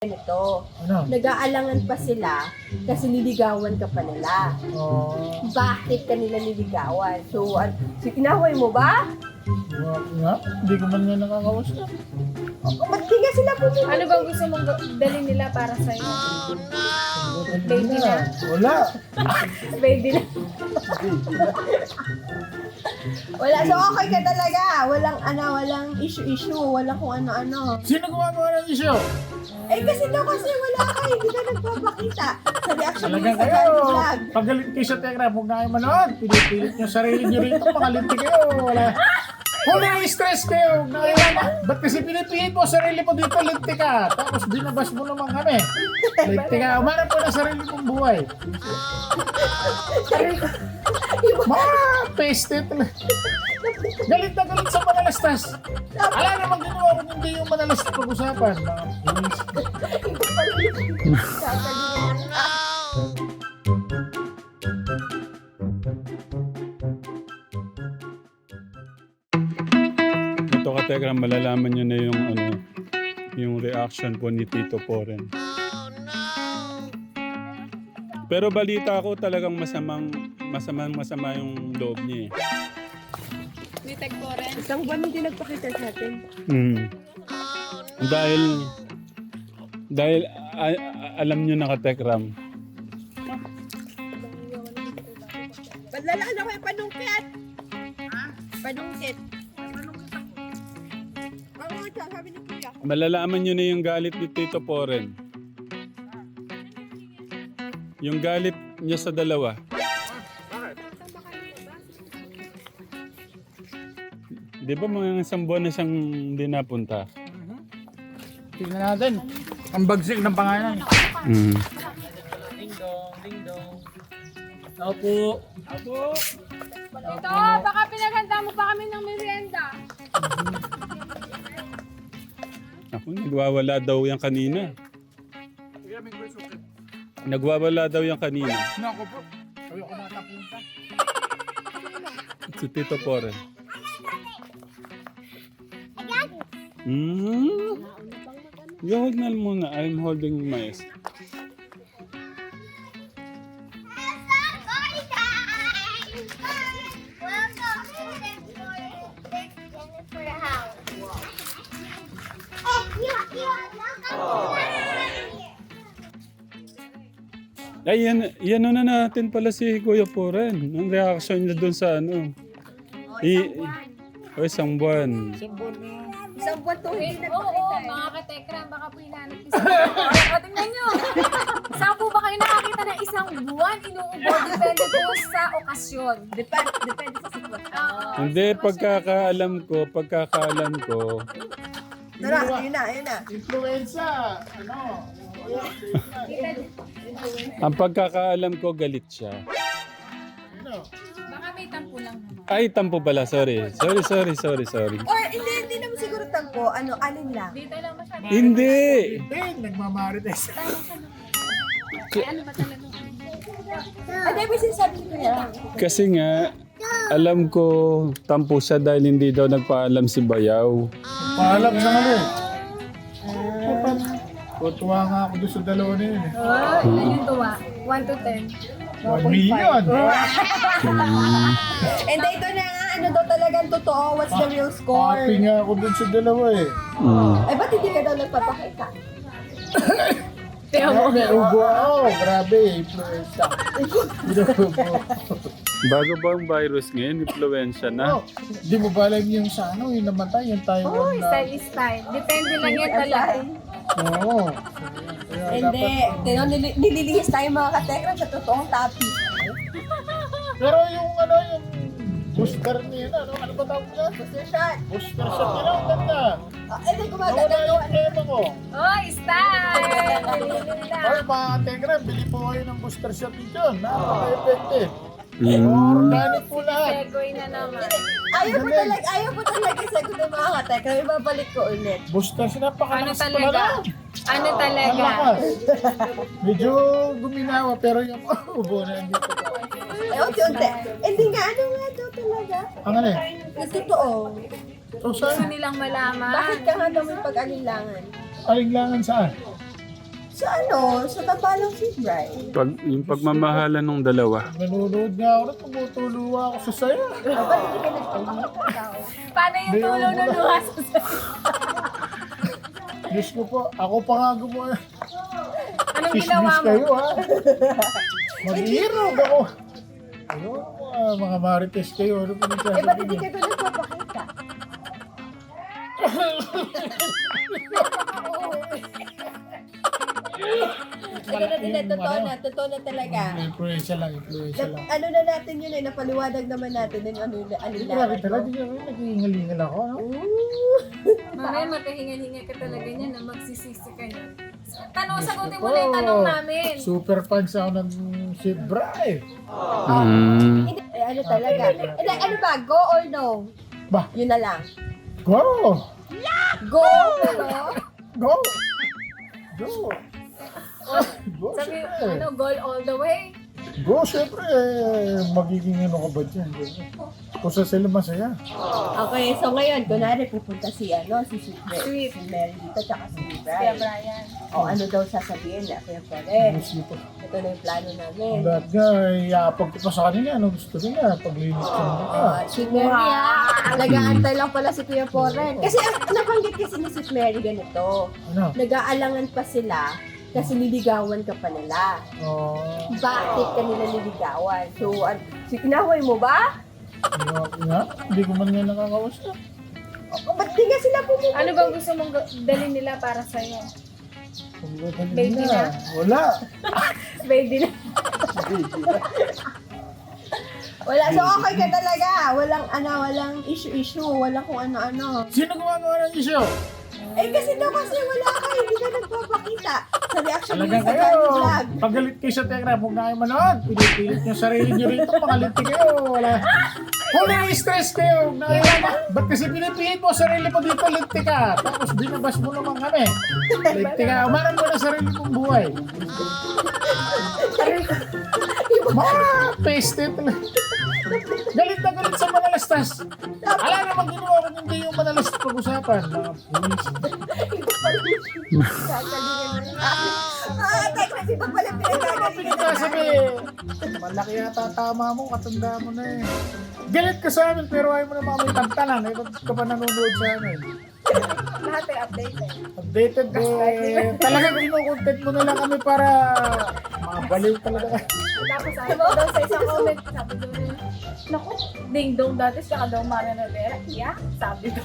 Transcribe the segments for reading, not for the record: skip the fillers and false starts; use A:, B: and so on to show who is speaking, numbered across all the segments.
A: Ganito,
B: Ano?
A: nag-aalangan pa sila kasi niligawan ka pa nila.
B: Oh,
A: Bakit ka nila niligawan? So, inaway mo ba?
B: nga. Hindi ko man nga nakakausap.
A: Ba't di nga sila pumunta?
C: Ano bang gusto mong dalhin nila para sa'yo? Baby na?
B: Wala.
C: Baby na.
A: Wala, so okay ka talaga. Walang issue-issue. Walang kung ano-ano.
B: Sino gumagawa ng issue?
A: Kasi wala ka. Hindi ka nagpapakita. Sa reaction mo
B: Talagang
A: sa
B: kayo.
A: Daddy Vlog.
B: Pagalit kayo sa Telegram, huwag na kayo manood. Pinipilit nyo sarili nyo rito. Pangalinti kayo. Wala. Kung na-stress kayo, huwag na kayo manood. Ba't kasi pinipilit mo sarili mo dito, linti ka. Tapos binabas mo naman kami. Linti ka. Umarap ko na sarili mong buhay. Mga peste talaga. Galit na galit sa manalastas. Alam naman ginawa ko hindi yung manalastas pag-usapan. Mga please.
D: Ito ka Tegram, malalaman nyo na yung yung reaction po ni Tito Poren. Pero balita ko talagang masama yung loob niya eh.
C: Ni Teg Poren.
A: Isang buwan hindi nagpakita sa atin.
D: Dahil alam nyo na ka Tegram.
A: Padlalaan ako yung panungkit. Panungkit. Oo, sabi ni Kuya.
D: Malalaman nyo na yung galit ni Tito Poren. Yung galit niya sa dalawa. Di ba mga isang buwan na siyang hindi napunta?
B: Tingnan natin. Ang bagsik ng pangalan.
D: Mm.
B: Opo. Opo.
C: Ito, baka pinaghanda mo pa kami ng merienda.
D: Ako, nagwawala daw yan kanina. Nagwawala daw yan kanina.
B: Nako po. Sabi ako nakapunta.
D: Si Tito Poren. Huwag na muna. I'm holding my... Ay, yan na natin pala si Kuya Poren. Ang reaction niya doon sa ano. Isang buwan.
A: Isang buwan to hindi
C: Oo,
A: nagpakita.
C: mga ka-Tekram, baka po hinanap isa. O, tingnan nyo. Saan po ba kayo nakakita ng isang buwan? Inuubo, depende po sa okasyon.
A: Depende sa sitwasyon.
D: Hindi, pagkakaalam ko,
A: Tara, yun na.
B: Influenza. Ano?
D: ang pagkakaalam ko galit siya.
B: Ano?
C: Baka may tampo lang naman.
D: Ay, tampo pala. Sorry.
A: Or hindi naman siguro tampo. Alin lang.
C: Dito lang masyado.
D: Hindi.
B: Hindi. Nagmamarites.
C: Ano ba talaga?
A: Ay, may sinasabi ni Kuya.
D: Kasi nga, alam ko tampo siya dahil hindi daw nagpaalam si Bayaw.
B: Paalam sa ano eh. Tuwa nga ako doon sa dalawa na yun eh.
C: Ilan yung tuwa? 1 to 10.
B: 1 million.
A: And ito na nga, daw talagang totoo? What's the real score?
B: Happy nga ako doon sa dalawa eh.
A: Ay, ba't hindi ka daw nagpapakita?
B: Grabe, ubo ako. Grabe, influenza.
D: Bago ba ang virus ngayon, influensya na?
B: Oh, di mo ba alam yung sa ano, yung namatay, yung Taiwan na...
C: Style is style. Depende lang yan talaga.
B: Oo. Kaya
A: Hindi. Tino, nililihis tayo mga katekram sa totoong topic.
B: Pero yung ano, yung booster niya, ano ba tawag niya?
A: Booster shot.
B: Booster shot nila, ang ganda.
A: Hindi,
B: Nawala
A: gumaganda.
B: yung tema ko.
C: Oy, style! Nililin lang.
B: Ay, mga Tegram, bili po kayo ng booster shot nito. Napaka-effective.
D: Mm.
B: Organic po lahat.
C: Segoy na naman.
A: Ayaw po talaga sagot ng mga katekram. Ibabalik ko ulit.
B: Booster shot,
C: Ano
B: napakalakas
C: talaga?
B: talaga.
C: Ano talaga?
B: Malakas. Medyo guminawa, pero yung ubo na hindi ko pa.
A: Unti-unti. Hindi nga, ano nga daw talaga?
B: Ang ano eh?
A: Yung totoo.
B: O
C: Gusto
B: saan?
C: nilang malaman.
A: Bakit ka nga daw may pag-alinlangan?
B: Alinlangan saan?
A: Sa sa Tabalang si Brian.
D: Yung pagmamahalan ng dalawa.
B: Nanonood nga ako na tumutuloy ako sa saya.
A: Ba't hindi ka nagtanong?
C: Paano yung tulo na luwas?
B: Diyos ko po, ako pa nga gumawa.
C: Anong ginawa
B: Kismis
C: mo?
B: kayo ha. Mag-iirog ako. Ayun, mga marites kayo. Ano po
A: Ba't hindi ka doon nagpapakita? Totoo na talaga.
B: Influensya lang.
A: Ano na natin yun napaliwanag naman natin yung ano
B: Grabe talaga, di naman nag-iingal-ingal ako. No?
C: Mamaya matahinga-hinga ka talaga niya na magsisisi ka niya. Sagutin mo na yung tanong namin.
B: Super fans ako ng si Bray.
A: Hindi, ano talaga. Ano ba, go or no?
B: Ba?
A: Yun na lang.
B: Go!
A: Go, pero...
B: Go! Go! Go,
C: Sabi,
B: syempre.
C: goal all the way.
B: Go, syempre. Magiging ano ka ba dyan? Kung sa sila masaya.
A: Okay, so ngayon, kunwari pupunta si Sweet.
C: Sweet.
A: Si Mary dito, tsaka si
C: Kaya
A: Brian.
C: Brian.
A: O ano daw sasabihin na, Kuya Pare.
B: Gusto ko.
A: Ito na yung plano namin.
B: Lahat nga, iapag ko pa sa kanila. Ano gusto nila? Paglinis ko nila.
A: Si Mary, nag-aantay lang pala si Kuya Poren. Kasi nabanggit kasi ni Sweet Mary ganito.
B: Ano?
A: Nag-aalangan pa sila kasi niligawan ka pa nila.
B: Oh,
A: Bakit ka nila niligawan? So, inaway mo ba?
B: nga, hindi ko man nga nakakausap.
A: Ba't di nga sila pumunta?
C: Ano bang gusto mong dalhin nila para sa'yo? Baby na.
B: Wala.
C: Baby na.
A: Wala. So, okay ka talaga. Walang issue. Walang kung ano-ano.
B: Sino gumagawa ng issue?
A: Kasi wala ka. Hindi ka nagpapakita. Sa reaction mo
B: Talagang
A: sa
B: kayo.
A: vlog.
B: Pagalit kayo sa Tekra, huwag na kayo manood. Pinipilit nyo sarili nyo rito, pangaliti kayo. Wala. Kung na-stress kayo, ba't kasi pinipilit mo sarili mo dito, linti ka. Tapos binabas mo naman kami. Linti ka, umarang mo na sarili mong buhay. Mga peste talaga. Galit na galit sa manalastas. Ala naman ginawa ko hindi yung manalastas pag-usapan. Mga pulis.
A: Tekra, iba pala pinagagalingan.
B: Pinagkasabi, malaki yata tama mo, katanda mo na eh. Galit ka sa amin pero ayaw mo na mga may tantanan. Eh, ba't ka pa nanonood sa amin?
C: Lahat ay updated.
B: Updated eh. Talagang kinukontent mo na lang kami para mga baliw talaga.
C: Tapos sabi ko daw sa isang comment, sabi ko rin, naku, ding-dong dati siya ka daw Mara Rivera. Yeah, sabi ko.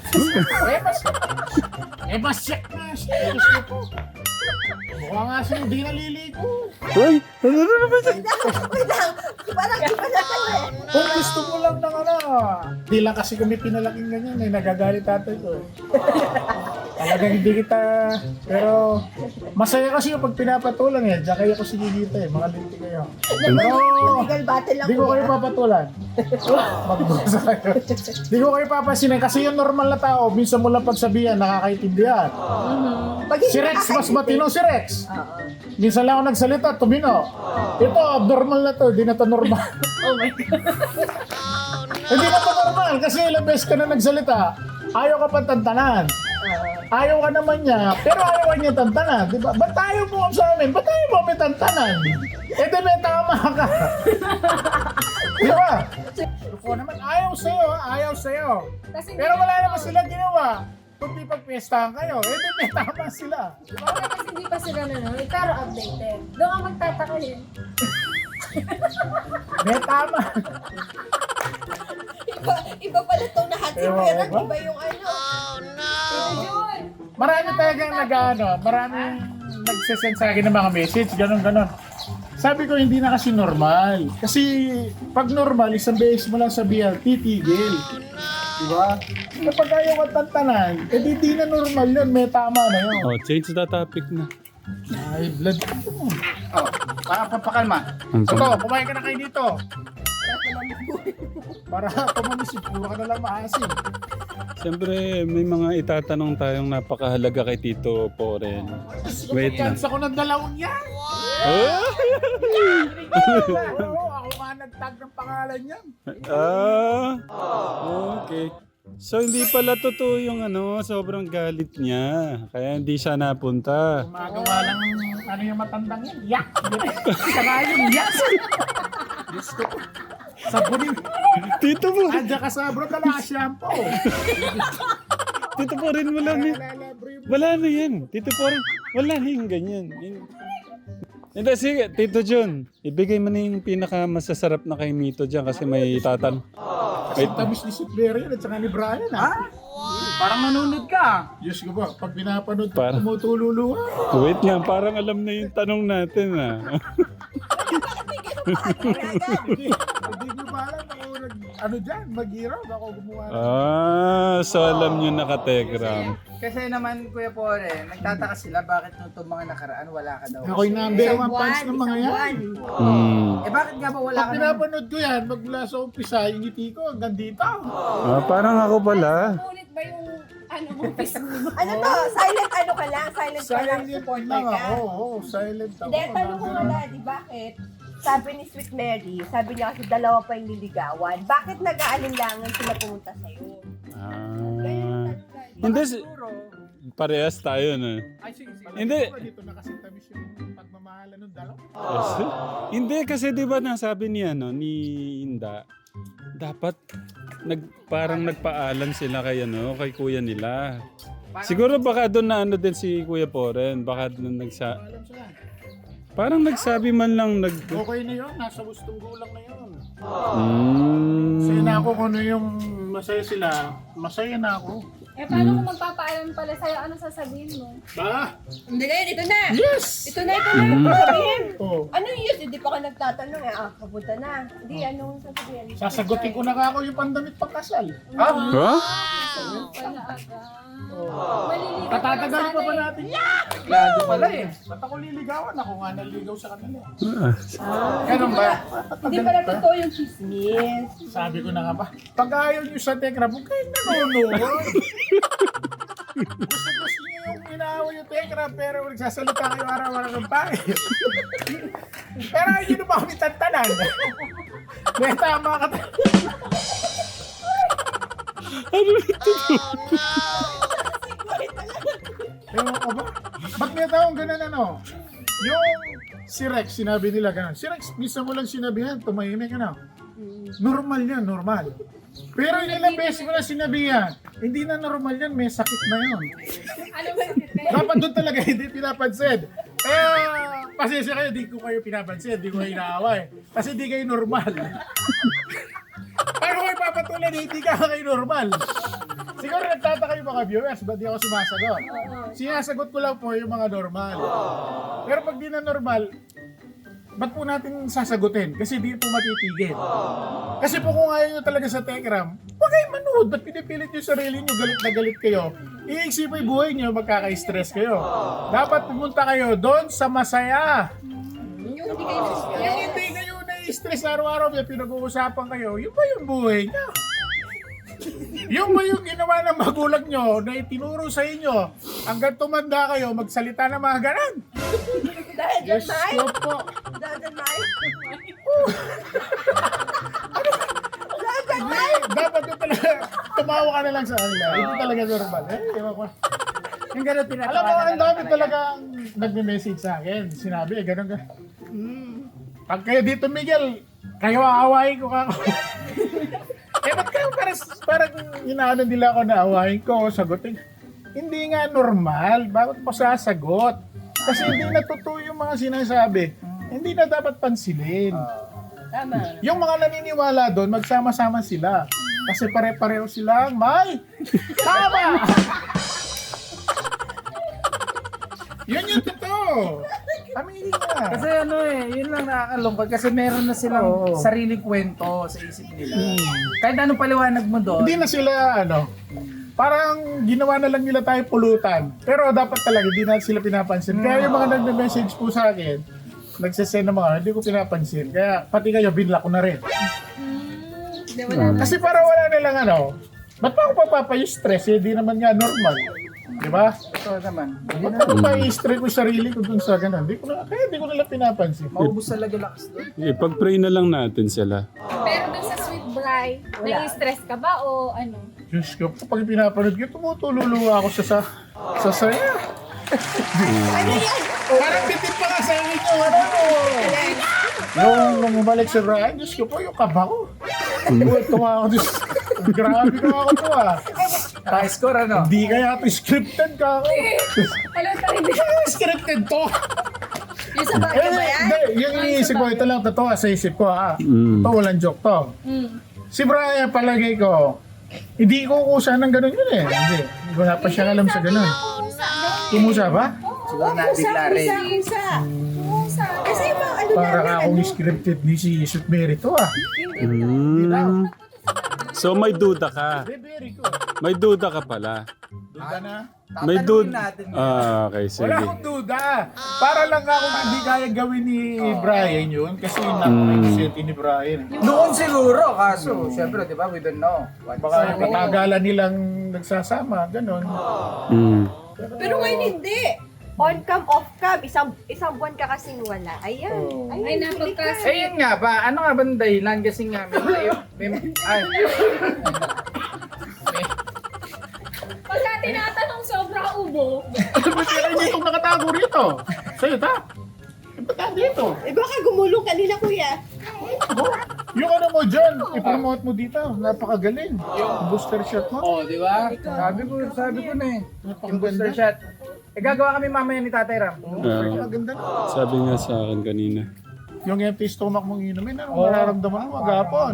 B: Mas check na. Serious na po. Mukha nga siya hindi naliligo.
D: Uy! Ano na naman siya?
A: Wait lang. Parang iba na tayo eh.
B: Kung gusto mo lang ng di lang kasi kami pinalaking ganyan eh. Nagagalit tatay ko. Talagang hindi kita, pero masaya kasi yung pag pinapatulan eh. Diyan kayo ko sinigita eh. Mga linti kayo.
A: Legal battle lang
B: Di ko kayo
A: kuya.
B: papatulan. Magbusa kayo. Di ko kayo papasinin kasi yung normal na tao, minsan mo lang pagsabihan, nakakaintindihan.
A: Pag hindi
B: Si Rex, mas
A: nakakaintindi-
B: matino si Rex.
A: Oo.
B: Minsan lang ako nagsalita, tumino. Ito, abnormal na to, di na to normal.
C: Oh my God.
B: Hindi na to normal kasi ilang beses ka na nagsalita, ayaw ka pang tantanan. Ayaw ka naman niya, pero ayaw ka niya tantanan. Di ba? Ba't ayaw mo sa amin? Ba't ayaw mo kami tantanan? Eh di may tama ka. Di ba? Ako naman, ayaw sa'yo, ayaw sa'yo.
C: Kasi
B: Pero wala naman sila ginawa. Kundi pagpiestahan kayo, eh di may tama sila.
C: okay, kasi hindi pa sila nanonood, pero updated. Doon ka magtataka yun.
B: May tama.
A: Iba pala itong nahatid
B: Ewan
A: pero
B: ko ba?
A: iba yung ano.
C: Yun.
B: Marami talagang maraming nagsasend sa akin ng mga message, ganon. Sabi ko, hindi na kasi normal. Kasi pag normal, isang beses mo lang sabihan, titigil. Diba? Kapag ayaw ka tantanan, eh di na normal yun, may tama na yun.
D: Oh, change the topic na.
B: Ay, blood. Oh, para papakalma.
D: Ang
B: Ito, kumain ka na kayo dito. Para pumamisip, puro ka na lang maasim.
D: Siyempre, may mga itatanong tayong napakahalaga kay Tito Poren. Wait lang.
B: Chance ako ng dalawang yan.
D: Oh!
B: Oo, ako nga nagtag ng pangalan yan.
D: Ah! Okay. So hindi pala totoo yung sobrang galit niya. Kaya hindi siya napunta.
B: Gumagawa lang ano yung matandang yan. Yak! Saka yung yak! Diyos ko. Sabunin.
D: Tito mo!
B: Andiyan ka sa bro, kala shampoo.
D: Tito po rin wala na. Wala na yan. Tito po rin. Wala na yung ganyan. Hindi, sige. Tito John, ibigay mo na yung pinakamasasarap na kay Mito dyan kasi may tatan.
B: Kasi tamis ni Superior yan at saka ni Brian ha.
E: Parang nanonood ka.
B: Diyos ko ba, pag pinapanood ko,
D: Para-
B: tumutululuha.
D: Wait nga, parang alam na yung tanong natin
B: Hindi nyo ba alam ako ano dyan, mag-hero, ako gumawa.
D: So alam nyo na ka-Tegram.
E: Kasi naman, Kuya Pore, nagtataka sila bakit nung mga nakaraan wala ka daw.
B: Ako'y number one fans ng mga yan.
E: Eh bakit nga ba wala
B: Pag
E: ka na?
B: pinapanood ko yan, magmula sa umpisa, yung ngiti ko hanggang dito.
D: Parang ako pala.
C: Ulit ba yung Facebook?
A: Ano to? Silent ano ka lang? Silent ka lang
B: Silent
A: supporter
B: lang
A: ka?
B: ako, silent ako.
A: Hindi, tanong ko nga di bakit? Sabi ni Sweet Mary, sabi niya kasi dalawa pa yung liligawan. Bakit nag-aalinlangan sila pumunta sa'yo?
D: Hindi, parehas tayo na.
E: Ay, sige, sige.
D: Hindi.
B: Dito na kasi tamis yung pagmamahalan ng dalawa.
D: Hindi kasi 'di ba nasabi niya ni Inda, dapat parang nagpaalam sila kay kay kuya nila. Siguro baka doon na din si Kuya Poren, baka doon
B: Alam sila.
D: parang nagsabi man lang
B: Okay na yun, nasa gustong gulang na yun.
D: Hmm.
B: Masaya na ako kung ano yung masaya sila, masaya na ako.
C: Eh, paano kung magpapaalam pala sa'yo? Anong sasabihin mo?
B: Ba?
A: Hindi ngayon, ito na!
B: Yes!
A: Ito na! Sabihin!
B: Oh.
A: Ano yun? Hindi pa ka nagtatanong eh. Papunta na. Hindi, anong sasabihin?
B: Sasagutin ko na ako yung pandamit pagkasal.
D: Ha?
C: Wala aga. Maliligaw ka lang
B: Tatatagal pa
C: sana
B: ba
C: eh.
B: natin?
E: Lado pala eh.
B: Ba't ako liligawan? Ako nga naligaw sa kanila.
A: Ganun ba? Hindi pala totoo yung chismis.
B: Sabi ko na nga ba, pag ayaw nyo sa Tekra, huwag kayong nanonood. Gusto nyo yung inaaway yung Tekra, pero nagsasalita kayo araw-araw ng pangit. Pero ayaw nyo na ba kami tantanan? May tama ka Ewan ko ba? Ba't may taong ganun Yung si Rex, sinabi nila ganun. Si Rex, misa mo lang sinabihan, tumahimik Normal yan, normal. Pero yung ilang beses mo na sinabihan, hindi na normal yan, may sakit na yun.
C: Ano ba?
B: Dapat doon talaga hindi pinapansin. Pasensya kayo, di ko kayo pinapansin, di ko kayo inaaway. Kasi di kayo normal. Paano ko ipapatulan, hindi ka kayo normal. Siguro nagtataka yung mga viewers, ba't di ako sumasagot? Sinasagot ko lang po yung mga normal. Pero pag di na normal, ba't po natin sasagutin? Kasi di po matitigil. Kasi po kung ayaw nyo talaga sa Tekram, huwag kayong manood. Ba't pinipilit yung sarili nyo, galit na galit kayo? Iisip yung buhay nyo, magkaka-stress kayo. Dapat pumunta kayo doon sa masaya.
A: Yung hindi kayo
B: Yung hindi kayo na-stress araw-araw, may pinag-uusapan kayo, yun ba yung buhay nyo? Yung ba yung ginawa ng magulang nyo na itinuro sa inyo hanggang tumanda kayo, magsalita ng mga ganan?
A: Dahil dyan,
B: Yes,
A: Mai?
B: ko po.
A: Dahil dyan, Mai? Dahil dyan, Mai?
B: Dapat yung talaga, tumawa ka na lang sa kanila. Hindi talaga normal. Ewan ko.
E: Yung gano'n tinatawa
B: Alam mo, ang dami talagang nagme-message sa akin. Sinabi, ganun ka. Pag kayo dito, Miguel, kayo aawahin ko kako. Ba't kayo parang inaano nila ako na aawahin ko, sagutin. Hindi nga normal. Bakit mo sasagot? Kasi hindi natutuyo yung mga sinasabi. Hindi na dapat pansinin.
A: Tama.
B: Yung mga naniniwala doon, magsama-sama sila. Kasi pare-pareho silang may tama! Yun yung totoo. Aminin nga.
E: Kasi yun lang nakakalungkot kasi meron na silang sariling kwento sa isip nila. Kahit anong paliwanag mo doon,
B: Hindi na sila, parang ginawa na lang nila tayo pulutan. Pero dapat talaga, hindi na sila pinapansin. Kaya yung mga nagme-message po sa akin, nagsasend ng mga, hindi ko pinapansin. Kaya pati kayo, binlock ko na rin.
C: Hindi, wala.
B: Kasi para wala nilang ba't pa ako papapay-stress? Hindi naman nga normal. Di ba?
E: ito naman,
B: Ba't ako papay-stress ko sarili ko dun sa ganun? Kaya hindi ko nila pinapansin.
E: maubos talaga lakas doon.
D: Ipag-pray na lang natin sila.
C: Pero dun sa Sweet Bri, nai-stress ka ba o ano?
B: Diyos ko, kapag pinapanood ko, tumutululuwa ako sa saya. Parang bitin pa nga sa akin yung ano. Nung umalik si Ryan, Diyos ko po, yung kaba ko. Tumawa ako, Diyos. Grabe ka ako to
E: High score ano?
B: Hindi kaya ito scripted ka ako.
C: Wala tayo.
B: Scripted to.
A: Yung sa bagay ba yan?
B: Hindi, yung iniisip ko, ito lang totoo sa isip ko ha.
D: Mm.
B: Ito, walang joke to. Si Brian, palagay ko, hindi ko kusa ng ganun yun eh. Hindi, wala pa siya alam sa ganun. Kumusa ba?
E: Siguro nabigla rin.
A: Kasi yung mga ano
B: Para
A: namin,
B: akong scripted ni si Sweet Mary to ah.
D: Mm. So may duda ka.
B: Very ko.
D: May duda ka pala.
B: Duda na?
D: May
E: Tatanungin
D: duda.
E: natin.
D: Okay, sige.
B: Wala akong duda. Para lang akong hindi kaya gawin ni Brian yun. Kasi napaka-innocent ni Brian.
E: Noon siguro, kaso, syempre, di ba, we don't know.
B: Baka yung katagalan nilang nagsasama, ganun.
D: Mm.
A: pero ngayon hindi. On cam, off cam, isang buwan ka kasing wala. Ayan.
B: Oh.
C: Ay, napagkas.
E: Eh, yun nga ba, ano nga ba ang dahilan? Kasi nga,
C: Pagka tinatanong sobra ubo.
B: Ba't kaya hindi itong nakatago rito? Sa'yo ta? Ba't ka dito?
A: Eh baka gumulong kanina, kuya.
B: Yung ano mo dyan, i-promote mo dito. Napakagaling. Yung booster shot mo.
E: oh, di ba? Sabi ko na eh. Yung booster
B: Napakaganda.
E: shot. Eh, gagawa kami mamaya ni Tatay Ram.
B: Napakaganda.
D: Sabi nga sa akin kanina.
B: Yung empty stomach mong inumin, anong mararamdaman mo agapon?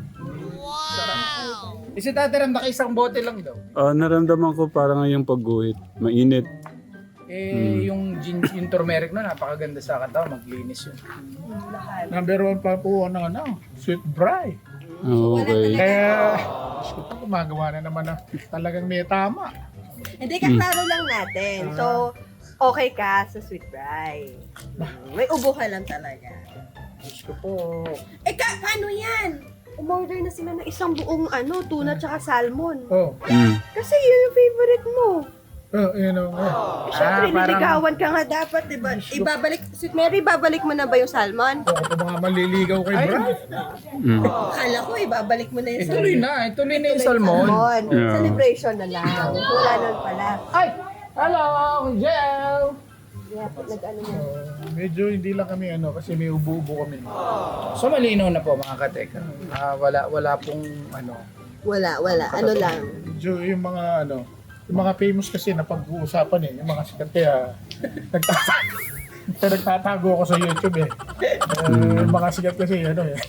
E: Eh, si Tatay Ram, naka-isang bote lang daw.
D: Naramdaman ko parang yung pagguhit. Mainit.
E: Yung turmeric na, napakaganda sa katawan, maglinis yun.
B: Number 1 pa po ng ano, Sweet Bry.
D: Okay.
B: Kaya, Diyos ko po, gumagawa na naman na talagang may tama.
A: Hindi, kaklaro lang natin. So, okay ka sa Sweet Bry. May ubo ka lang talaga.
B: Diyos ko po.
A: Eh, paano yan? Umorder na sila ng isang buong tuna tsaka salmon.
B: Oh,
D: Mm.
A: Kasi yun yung favorite mo.
B: yun o.
A: Eh, syempre,
E: parang-
A: niligawan ka nga dapat, di ba? Ibabalik, Sweet Mary, babalik mo na ba yung salmon?
B: Ako mga maliligaw kay Bry.
D: Mm.
A: Akala ko, ibabalik mo na yung
E: Tuloy na, tuloy na yung salmon.
A: salmon.
D: Yeah.
A: Celebration na lang. Wala nun pala.
E: Ay! Hello, Jel!
A: Kaya nag-ano mo.
B: Medyo hindi lang kami kasi may ubo-ubo kami.
E: So malinaw na po mga kateka. Wala pong
A: Wala. Ano lang.
B: Medyo yung mga yung mga famous kasi na pag-uusapan yung mga sikat kaya nagtatago ako sa YouTube yung mga sikat kasi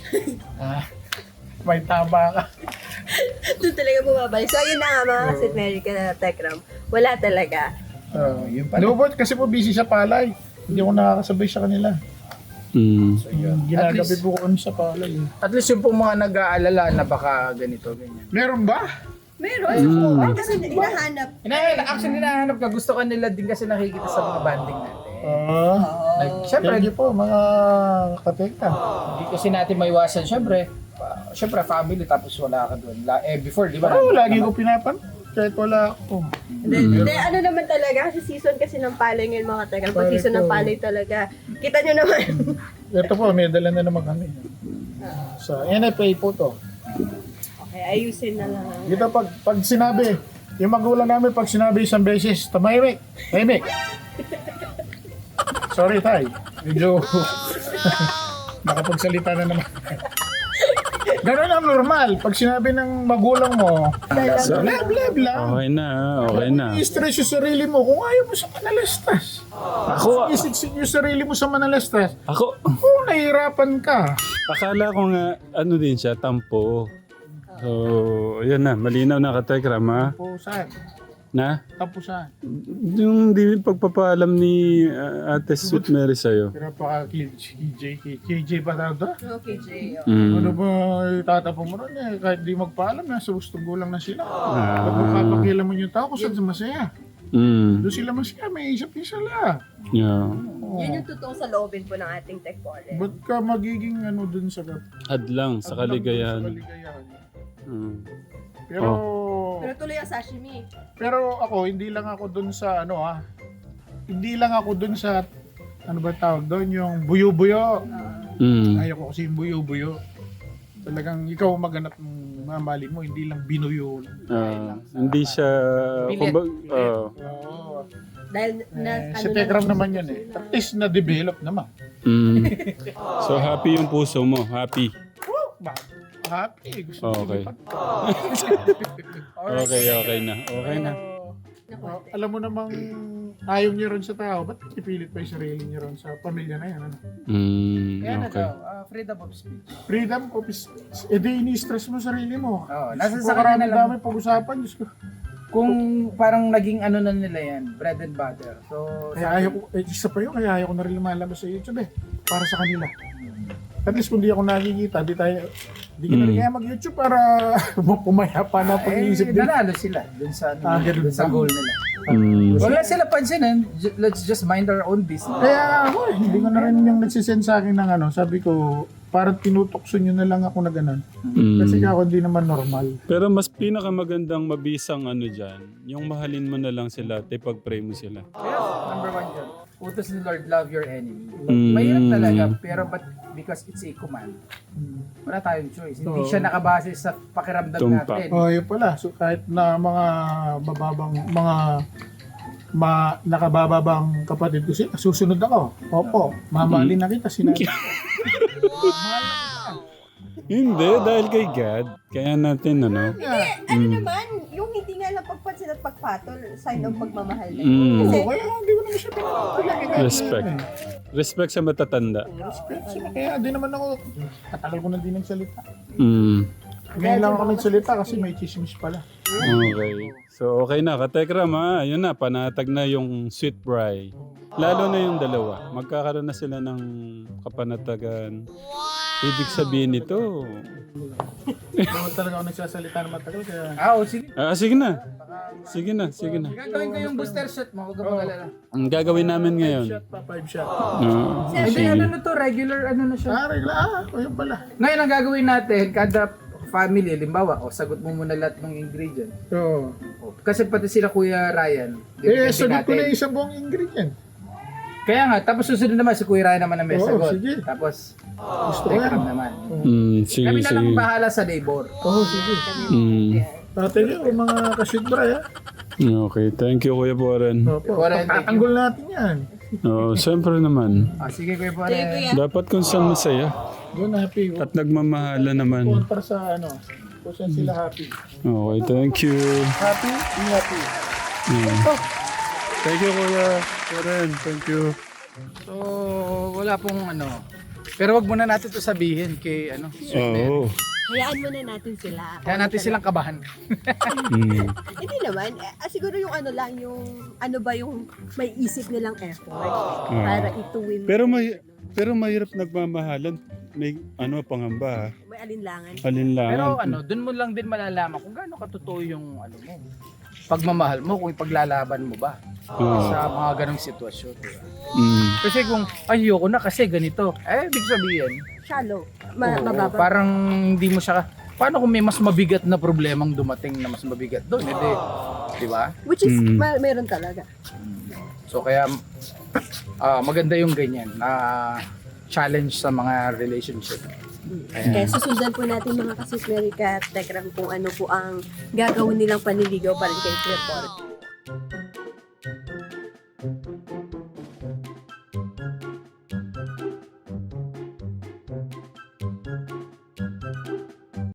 B: may tama ka.
A: Doon talaga bumabalik. So, ayun na nga mga Sweet Mary ka na Tekram. Wala talaga.
E: yun pala.
B: Lubot kasi po busy sa palay. Hindi ako nakakasabay sa kanila.
D: Mm.
B: Ginagabi po ko sa palay.
E: At least yung pong mga nag-aalala na baka ganito, ganyan.
B: Meron ba?
A: Meron. Ay, kasi hinahanap.
E: Actually, hinahanap ka. Gusto ka nila din kasi nakikita sa mga banding natin.
B: Siyempre,
E: Siyempre,
B: thank you po mga katekta.
E: hindi kasi natin maiwasan. Siyempre, family tapos wala ka doon. Before, di ba?
B: Oo, lagi ko pinapan. Kahit wala ako.
A: Hindi, ano naman talaga, kasi season kasi ng palay ngayon mga Tekram. Pag season ng palay talaga, kita nyo naman.
B: Ito po, may dala na naman kami. Sa NFA po to.
A: Okay, ayusin na lang.
B: Dito pag sinabi, yung magulang namin pag sinabi isang beses, tahimik. Sorry, tay. Medyo nakapagsalita na naman. Ganun ang normal. Pag sinabi ng magulang mo, blab lang.
D: Okay na, okay na.
B: I-stress yung sarili mo kung ayaw mo sa manalastas.
D: Ako,
B: Isiksik yung sarili mo sa manalastas.
D: ako,
B: Kung nahihirapan ka.
D: akala ko nga, din siya, tampo. So, ayan na, malinaw na ka, Tekram, ha?
B: Tapusan.
D: Na?
B: Tapusan.
D: Yung pagpapaalam ni Ate Sweet Mary sa'yo.
B: Pero pa KJ pa tawag doon?
A: Okay, Jay.
D: Mm.
B: Ano ba itatapong mo ron kahit di magpaalam, nasa gusto gulang na sila.
D: Ah.
B: Pag magpapakilan mo yung tao kung saan masaya.
D: Mm.
B: Doon sila masaya, may isip din sila.
D: Yeah.
A: Yun yung totoong sa loobin po ng ating Tech Wallet.
B: Ba't ka magiging doon sa
D: Hadlang sa kaligayahan.
B: kaligayahan.
D: Mm.
B: Pero,
A: Pero tuloy ang sashimi.
B: pero ako, hindi lang ako doon sa hindi lang ako doon sa, ba tawag doon, yung buyo-buyo.
D: Mm.
B: Ayaw ko kasi yung buyo-buyo. Talagang ikaw maghanap ng mamali mo, hindi lang binuyo.
D: Hindi siya...
E: Pilit.
B: Oo.
A: Dahil
B: Si Tekram naman yun eh. At least na-develop naman.
D: So happy yung puso mo, happy.
B: Happy. Gusto ko
D: Okay.
B: lipat.
D: Okay na. Okay na.
B: Alam mo namang ayaw niya ron sa tao, ba't ipilit pa yung sarili niya ron sa pamilya na yan? Ano?
E: Kaya na
D: Okay.
E: daw, freedom of speech.
B: Freedom of speech. E di ini-stress mo sarili mo.
E: Oo, nasa
B: Diyos
E: sa
B: ko,
E: kanya na lang.
B: dami pag-usapan. Diyos ko.
E: Kung parang naging ano na nila yan, bread and butter. So,
B: Kaya ayaw ko, isa pa yun, kaya ayaw ko na rin lumalabas sa YouTube eh. Para sa kanila. At least kung di ako nakikita, di ka na rin kaya mag-YouTube para pumaya pa na pag-iisip din.
E: nanalo sila dun sa,
B: Ganun
E: dun sa
B: ba?
E: goal nila. Wala sila pansinin, let's just mind our own business.
B: Kaya ako eh, hindi ko na rin yung nagsisend sa akin ng ano, sabi ko, parang tinutokso nyo na lang ako na ganun. Kasi ako hindi naman normal.
D: Pero mas pinakamagandang mabisang ano dyan, yung mahalin mo na lang sila at ipag-pray mo sila.
E: Yes, number one dyan. Utos ni Lord, love your enemy. Mahirap talaga, pero but because it's a command, wala tayong choice. Hindi siya nakabase sa pakiramdam
D: Tumpak.
E: natin.
B: Oh, yun pala. So kahit na mga bababang, nakabababang kapatid ko sila, susunod ako. Opo, mamahalin na kita, sinabi.
D: Hindi, dahil kay God. Kaya natin, ano?
A: ano naman, yung hindi nga lang pagpansin at pagpatol, sign of pagmamahal na.
D: Mm.
A: Kasi,
B: Kaya hindi ko naman siya pinapalagay.
D: Respect. Respect sa matatanda.
B: Respect siya. Kaya di naman ako, katagal ko na din nagsalita. Ngayon lang ako nagsalita kasi may chismis pala.
D: Okay. So, okay na. Katekram, ha? Yun na, panatag na yung sweet bri. Lalo na yung dalawa. Magkakaroon na sila ng kapanatagan. Ibig sabihin nito.
B: Naman talaga ako nagsasalita na matagal kaya...
E: Sige.
D: Sige na. Sige na, sige na.
E: Gagawin ko yung booster shot mo, huwag ka mag-alala.
D: Ang gagawin namin ngayon.
B: 5 shot.
E: Hindi, ano na to, regular ano na siya.
B: Yun pala.
E: Ngayon ang gagawin natin, kada family, limbawa, sagot mo muna lahat ng ingredient.
B: Oo.
E: Kasi pati sila Kuya Ryan.
B: Sagot ko na yung isang buong ingredient.
E: Kaya nga, tapos susunod naman si Kuya Ryan naman ang may
B: Oo,
E: sagot.
B: sige.
E: Tapos,
B: Gusto ko
E: Tekram
B: yan.
E: naman.
D: Sige,
E: Kami na lang
D: sige.
E: bahala sa labor.
B: Oo, sige. Thank you, mga kasitbra, ha?
D: Okay, thank you, Kuya Boren.
B: Opo,
E: Warren, thank you.
B: tatanggol natin yan.
D: Siyempre naman.
E: Sige Kuya Ryan.
D: Dapat kung saan masaya.
B: Doon happy.
D: At nagmamahala naman.
B: Kontra sa kung saan sila happy.
D: Okay, thank you.
B: Happy, be happy.
D: Thank you, Kuya Boren. Thank you.
E: So, wala pong Pero wag muna natin to sabihin kay
D: Oo.
A: hayaan muna natin sila.
E: Kaya natin silang kabahan.
A: Hindi naman, siguro yung ano lang, yung ano ba yung may isip nilang effort para ituwin.
D: Pero mahirap nagmamahalan. May pangamba, ha?
A: May alinlangan.
D: Alinlangan.
E: Pero doon mo lang din malalaman kung gaano katotoo yung mo. Pagmamahal mo, kung ipaglalaban mo ba sa mga ganong sitwasyon. Diba? Kasi kung ayoko na kasi ganito, ibig sabihin,
A: Shallow.
E: oo, parang hindi mo siya, paano kung may mas mabigat na problemang dumating na mas mabigat doon? Hindi, di ba?
A: Which is, meron talaga.
E: So kaya, maganda yung ganyan na challenge sa mga relationship.
A: Kaya susundan po natin mga kasitmerika at Tekram kung ano po ang gagawin nilang panliligaw pa rin kay Kuya Boren.